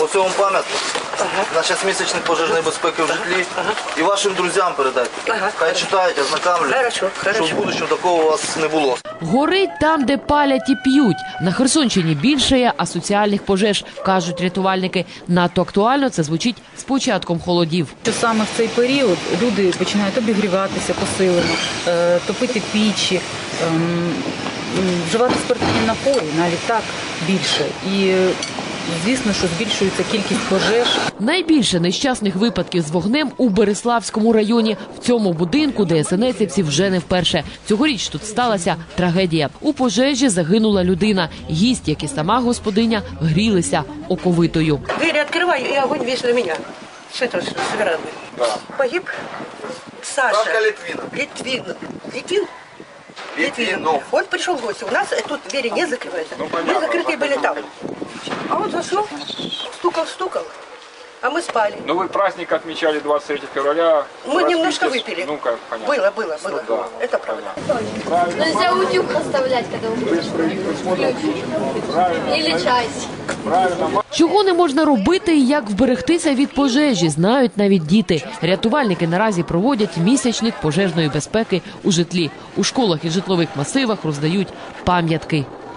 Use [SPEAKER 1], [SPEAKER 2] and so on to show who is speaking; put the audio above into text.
[SPEAKER 1] Ось вам пам'ятник. На час місячних пожежної безпеки в житлі. І вашим друзям передайте. Хай читають, ознакомлюють, щоб в будущому такого у вас не було.
[SPEAKER 2] Горить там, де палять і п'ють. На Херсонщині більшає асоціальних пожеж, кажуть рятувальники. Надто актуально це звучить з початком холодів.
[SPEAKER 3] Що саме в цей період люди починають обігріватися посилено, топити пічі, вживати спиртні напої, навіть так більше. І звісно, що збільшується кількість пожеж.
[SPEAKER 2] Найбільше нещасних випадків з вогнем у Бериславському районі. В цьому будинку ДСНСівці вже не вперше. Цьогоріч тут сталася трагедія. У пожежі загинула людина. Гість, як і сама господиня, грілися оковитою.
[SPEAKER 4] Двери открываю, и огонь весь на меня. С этого, с веранды.
[SPEAKER 1] Да.
[SPEAKER 4] Погиб Саша.
[SPEAKER 1] Сашка Литвинов.
[SPEAKER 4] Литвинов. Он пришел в гости. У нас тут двери не закрываются. Мы закрытые были там. А он зашел, стукал, а мы спали.
[SPEAKER 5] Ну вы праздник отмечали 23 февраля.
[SPEAKER 4] Мы немножко выпили.
[SPEAKER 5] Ну как, понятно.
[SPEAKER 4] Было.
[SPEAKER 5] Да.
[SPEAKER 4] Это правда.
[SPEAKER 5] Правильно.
[SPEAKER 6] Нельзя утюг оставлять, когда вы или чайник.
[SPEAKER 5] Правильно.
[SPEAKER 2] Чого не можна робити і як вберегтися від пожежі, знають навіть діти. Рятувальники наразі проводять місячник пожежної безпеки у житлі. У школах і житлових масивах роздають пам'ятки.